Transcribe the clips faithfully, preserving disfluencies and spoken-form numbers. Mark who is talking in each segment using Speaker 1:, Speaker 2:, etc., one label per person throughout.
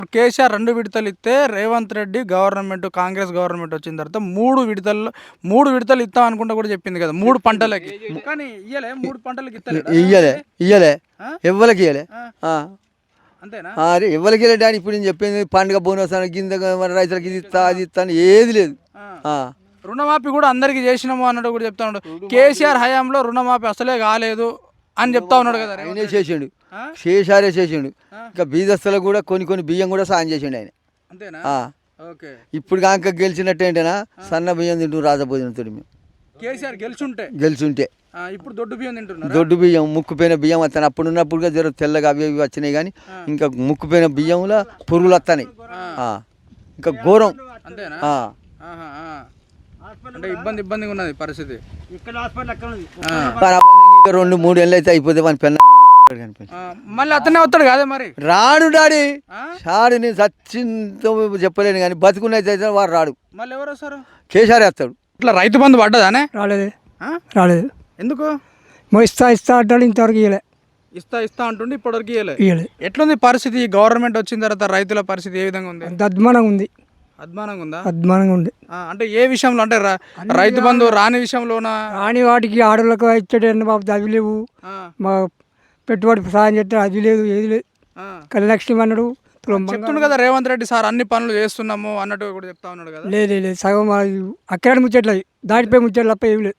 Speaker 1: కేసీఆర్ రెండు విడతలు ఇస్తే రేవంత్ రెడ్డి గవర్నమెంట్ కాంగ్రెస్ గవర్నమెంట్ వచ్చిన తర్వాత మూడు విడతల్లో మూడు విడతలు ఇస్తాం అనుకుంటా కూడా చెప్పింది కదా మూడు పంటలకి. కానీ ఇయ్యలే మూడు పంటలకి
Speaker 2: ఇయ్యలే ఇయ్యలే ఎవరికి ఇయ్యలే
Speaker 1: అంతేనా?
Speaker 2: అరే ఎవరికి ఇయ్యలే డాడీ. ఇప్పుడు నేను చెప్పింది పండుగ బోనస్ అని కింద మన రైతులకి ఇది ఇస్తా అది ఇస్తా అని ఏది లేదు.
Speaker 1: రుణమాఫీ కూడా అందరికి చేసినాము అన్నట్టు కూడా చెప్తా ఉన్నాడు. కేసీఆర్ హయాంలో రుణమాఫీ అసలే కాలేదు అని చెప్తా ఉన్నాడు కదా.
Speaker 2: ఆయనే చేసిండు, చేశారే చేసిండు. ఇంకా బీదస్తులకు కూడా కొన్ని కొన్ని బియ్యం కూడా సాయం చేసిండు ఆయన.
Speaker 1: అంతేనా?
Speaker 2: ఇప్పుడు కాక గెలిచినట్టు ఏంటనా సన్న బియ్యం తింటూ రాజభోజనంతో మేము
Speaker 1: కేసీఆర్ గెలుచుంటే
Speaker 2: గెలుచుంటే
Speaker 1: ఇప్పుడు దొడ్డు బియ్యం తింటున్నారు.
Speaker 2: దొడ్డు బియ్యం ముక్కుపోయిన బియ్యం వస్తాను. అప్పుడు ఉన్నప్పుడు జర తెల్లగా అవి ఇవి వచ్చినాయి కానీ ఇంకా ముక్కుపోయిన బియ్యంలో పురుగులు వస్తాయి. ఇంకా ఘోరం.
Speaker 1: అంతేనా? అంటే ఇబ్బంది ఇబ్బందిగా ఉన్నది పరిస్థితి.
Speaker 2: రెండు మూడు ఏళ్ళు అయితే అయిపోతే మన పెళ్ళ
Speaker 1: మళ్ళీ అతనే వస్తాడు కాదే మరి.
Speaker 2: రాడు డాడీ. సాడు నేను సచ్చింతో చెప్పలేను కానీ బతుకున్నైతే అయితే వాడు రాడు.
Speaker 1: మళ్ళీ ఎవరు వస్తారు?
Speaker 2: కేసీఆర్ వేస్తాడు.
Speaker 1: ఇట్లా రైతు బంధు పడ్డదానే?
Speaker 3: రాలేదు రాలేదు.
Speaker 1: ఎందుకు?
Speaker 3: ఇస్తా ఇస్తా అంటాడు, ఇంతవరకు ఇవ్వలే.
Speaker 1: ఇస్తా ఇస్తా అంటుండే ఇప్పటివరకు ఇవ్వలేదు. ఎట్లుంది పరిస్థితి? గవర్నమెంట్ వచ్చిన తర్వాత రైతుల పరిస్థితి ఏ విధంగా ఉంది?
Speaker 3: అద్మానంగా ఉంది.
Speaker 1: అద్మానంగా ఉందా?
Speaker 3: అద్మానంగా ఉంది.
Speaker 1: అంటే ఏ విషయంలో? అంటే రైతు బంధు రాని విషయంలోనా?
Speaker 3: రాని వాటికి ఆడవాళ్ళకు ఇచ్చాడు బాబు, అవి లేవు. మా పెట్టుబడి సాయం చేస్తే అది లేదు, ఏది లేదు. కళ్యాణలక్ష్మి అన్నాడు.
Speaker 1: చెప్తున్నాడు కదా రేవంత్ రెడ్డి సార్ అన్ని పనులు చేస్తున్నాము అన్నట్టు కూడా చెప్తా ఉన్నాడు కదా.
Speaker 3: లేదు లేదు, సగం అక్కడ ముచ్చట్లు దాటిపోయి ముచ్చట్లు తప్ప ఏమి లేదు.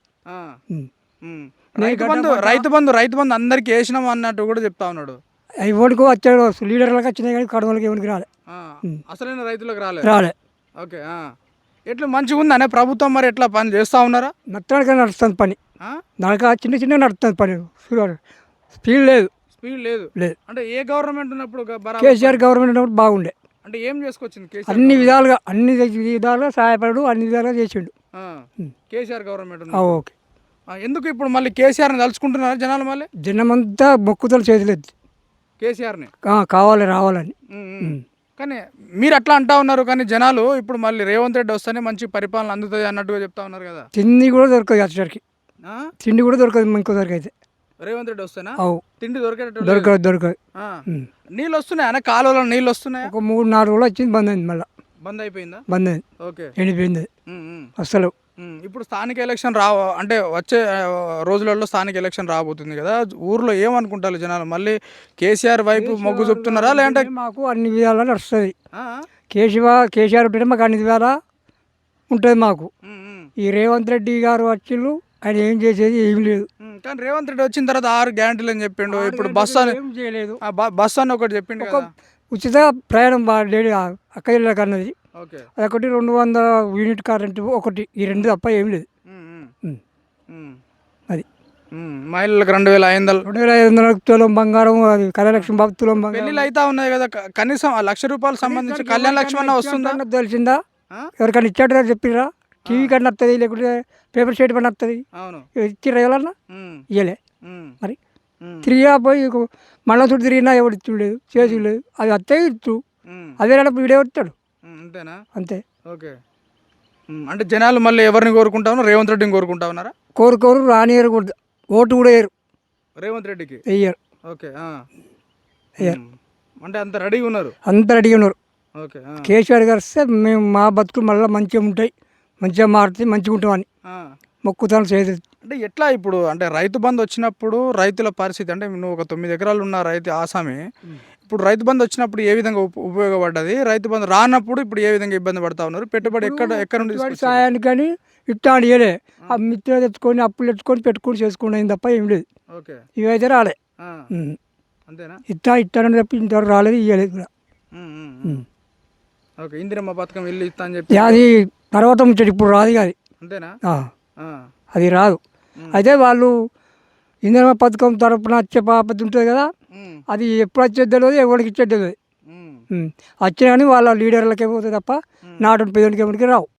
Speaker 1: రైతు బంధు రైతు బంధు రైతు బంధు అందరికి వేసినాము అన్నట్టు కూడా చెప్తా ఉన్నాడు.
Speaker 3: ఎవరికి వచ్చాడు, లీడర్లకు వచ్చినాయి కానీ కడవలకి ఎవరికి రాలే.
Speaker 1: అసలైన రైతులకు రాలే
Speaker 3: రాలే
Speaker 1: ఓకే. ఎట్లా మంచిగా ఉంది అనే ప్రభుత్వం మరి ఎట్లా పని చేస్తా ఉన్నారా?
Speaker 3: మొత్తానికి నడుస్తుంది పని. దానికి చిన్న చిన్న నడుస్తుంది పని. స్పీడ్ లేదు.
Speaker 1: స్పీడ్ లేదు లేదు అంటే ఏ గవర్నమెంట్ ఉన్నప్పుడు?
Speaker 3: కేసీఆర్ గవర్నమెంట్ ఉన్నప్పుడు బాగుండే.
Speaker 1: అంటే ఏం చేసుకొచ్చింది?
Speaker 3: అన్ని విధాలుగా అన్ని విధాలుగా సహాయపడు, అన్ని విధాలుగా చేసిండు
Speaker 1: కేసీఆర్ గవర్నమెంట్.
Speaker 3: ఓకే.
Speaker 1: ఎందుకు ఇప్పుడు మళ్ళీ కేసీఆర్ని తలుచుకుంటున్నారు జనాలు? మళ్ళీ
Speaker 3: జనమంతా మొక్కుతలు చేతులేదు
Speaker 1: కేసీఆర్ని
Speaker 3: కావాలి రావాలని.
Speaker 1: కానీ మీరు అట్లా అంటా ఉన్నారు, కానీ జనాలు ఇప్పుడు మళ్ళీ రేవంత్ రెడ్డి వస్తేనే మంచి పరిపాలన అందుతుంది అన్నట్టుగా చెప్తా ఉన్నారు కదా.
Speaker 3: తిండి కూడా దొరకదు అచ్చడికి. తిండి కూడా దొరకదు ఇంకో దొరకైతే.
Speaker 1: రేవంత్ రెడ్డి వస్తేనా
Speaker 3: అవు
Speaker 1: తిండి దొరకదు
Speaker 3: దొరకదు దొరకదు.
Speaker 1: నీళ్ళు వస్తున్నాయా? కాలువలో నీళ్ళు వస్తున్నాయి.
Speaker 3: ఒక మూడు నాలుగు రోజులు వచ్చింది, బంద్ అయింది. మళ్ళీ
Speaker 1: బంద్ అయిపోయిందా?
Speaker 3: బంద్ అయింది.
Speaker 1: ఓకే.
Speaker 3: ఎండిపోయింది అసలు.
Speaker 1: ఇప్పుడు స్థానిక ఎలక్షన్ రా అంటే వచ్చే రోజులలో స్థానిక ఎలక్షన్ రాబోతుంది కదా, ఊర్లో ఏమనుకుంటారు జనాలు? మళ్ళీ కేసీఆర్ వైపు మొగ్గు చూపుతున్నారా లేదంటే?
Speaker 3: మాకు అన్ని విధాలా నడుస్తుంది. కేసీఆర్ కేసీఆర్ ఉంటే మాకు అన్ని విధాలా ఉంటుంది మాకు. ఈ రేవంత్ రెడ్డి గారు వచ్చిళ్ళు, ఆయన ఏం చేసేది ఏం లేదు.
Speaker 1: కానీ రేవంత్ రెడ్డి వచ్చిన తర్వాత ఆరు గ్యారంటీలు అని చెప్పిండు. ఇప్పుడు బస్ అని
Speaker 3: ఏం చేయలేదు.
Speaker 1: బస్ అని ఒకటి చెప్పిండు కదా.
Speaker 3: ఉచిత ప్రయాణం లేడీ అక్క ఇళ్ళకి అన్నది అదొకటి. రెండు వందల యూనిట్ కరెంట్ ఒకటి, ఈ రెండు తప్ప ఏం లేదు. అది
Speaker 1: మహిళలకు రెండు వేల ఐదు వందలు
Speaker 3: రెండు వేల ఐదు వందల తులం బంగారం, అది కళ్యాణలక్ష్మి బాబు తులం బంగారం.
Speaker 1: పెళ్ళిళ్ళు అయితే ఉన్నాయి కదా, కనీసం ఆ లక్ష రూపాయలు సంబంధించి కళ్యాణ లక్ష్మి అన్న వస్తుందా?
Speaker 3: తెలిసిందా? ఎవరికైనా ఇచ్చాడు చెప్పిరా? టీవీ కన్నా వస్తుంది, లేకుంటే పేపర్ షేట్ పని వస్తుంది. ఇచ్చిర్రా ఎవరన్నా? ఇయ్యలే. మరి తిరిగా పోయి మళ్ళీ చుట్టూ తిరిగినా ఎవడు ఇచ్చులేదు, చేసి లేదు. అది వస్తే ఇచ్చు, అదే వీడే వస్తాడు.
Speaker 1: అంతేనా?
Speaker 3: అంతే.
Speaker 1: ఓకే. అంటే జనాలు మళ్ళీ ఎవరిని కోరుకుంటా ఉన్నారు? రేవంత్ రెడ్డిని కోరుకుంటా ఉన్నారా?
Speaker 3: కోరుకోరు, రానియరు కూడా, ఓటు కూడా వేయరు
Speaker 1: రేవంత్ రెడ్డికి.
Speaker 3: వేయరు.
Speaker 1: ఓకే. అంటే అంత రెడీగా ఉన్నారు?
Speaker 3: అంత రెడీగా ఉన్నారు.
Speaker 1: ఓకే.
Speaker 3: కేసీఆర్ గారు వస్తే మేము మా బతుకులు మళ్ళీ మంచిగా ఉంటాయి, మంచిగా మారుతాయి, మంచిగా ఉంటామని మొక్కుతాను చేయదు.
Speaker 1: అంటే ఎట్లా ఇప్పుడు? అంటే రైతు బంధు వచ్చినప్పుడు రైతుల పరిస్థితి, అంటే నువ్వు ఒక తొమ్మిది ఎకరాలు ఉన్న రైతు ఆసామి, ఇప్పుడు రైతు బంధు వచ్చినప్పుడు ఏ విధంగా ఉపయోగపడ్డది? రైతు బంధు రానప్పుడు ఇప్పుడు ఏ విధంగా ఇబ్బంది పడతా ఉన్నారు? పెట్టుబడి ఎక్కడ ఎక్కడ నుండి?
Speaker 3: సాయానికి కానీ ఇట్టాడు ఇవ్వలే. ఆ మిత్రులు తెచ్చుకొని అప్పులు తెచ్చుకొని పెట్టుకొని చేసుకుని అయింది తప్ప ఏం లేదు.
Speaker 1: ఓకే.
Speaker 3: ఇవైతే రాలే.
Speaker 1: అంతేనా?
Speaker 3: ఇట్టా ఇట్టానని చెప్పి ఇంతవరకు రాలేదు, ఇవ్వలేదు కూడా.
Speaker 1: ఓకే. ఇందిరమ్మ పథకం ఇల్లు ఇస్తా అని చెప్పి
Speaker 3: అది తర్వాత ముచ్చట, ఇప్పుడు రాదు అది.
Speaker 1: అంతేనా?
Speaker 3: అది రాదు. అయితే వాళ్ళు ఇందిరమ్మ పథకం తరపున వచ్చే బాపతి ఉంటుంది కదా, అది ఎప్పుడు వచ్చేది తెలియదు, ఎవరికి ఇచ్చేది తెలియదు. వచ్చినా కానీ వాళ్ళ లీడర్లకే పోతుంది తప్ప నాటు పేదోనికి ఎవరికి రావు.